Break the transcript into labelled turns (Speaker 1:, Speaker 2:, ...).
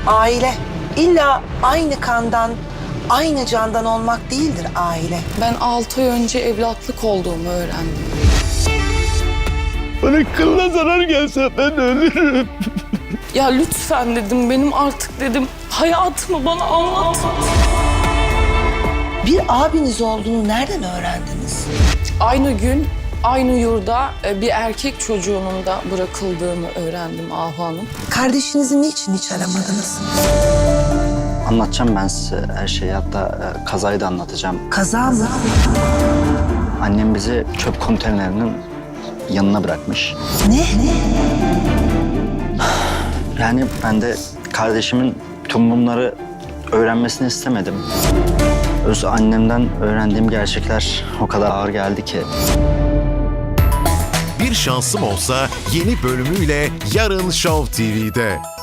Speaker 1: Aile illa aynı kandan, aynı candan olmak değildir aile.
Speaker 2: Ben 6 ay önce evlatlık olduğumu öğrendim.
Speaker 3: Bana kılına zarar gelse ben ölürüm.
Speaker 2: Ya lütfen dedim, benim artık dedim hayatımı bana anlat.
Speaker 1: Bir abiniz olduğunu nereden öğrendiniz?
Speaker 2: Aynı gün, aynı yurda bir erkek çocuğunun da bırakıldığını öğrendim Ahu Hanım.
Speaker 1: Kardeşinizi niçin hiç aramadınız?
Speaker 4: Anlatacağım ben size her şeyi, hatta kazayı da anlatacağım.
Speaker 1: Kaza mı?
Speaker 4: Annem bizi çöp konteynerinin yanına bırakmış.
Speaker 1: Ne?
Speaker 4: Yani ben de kardeşimin tüm bunları öğrenmesini istemedim. Öz annemden öğrendiğim gerçekler o kadar ağır geldi ki.
Speaker 5: Bir Şansım Olsa yeni bölümüyle yarın Show TV'de.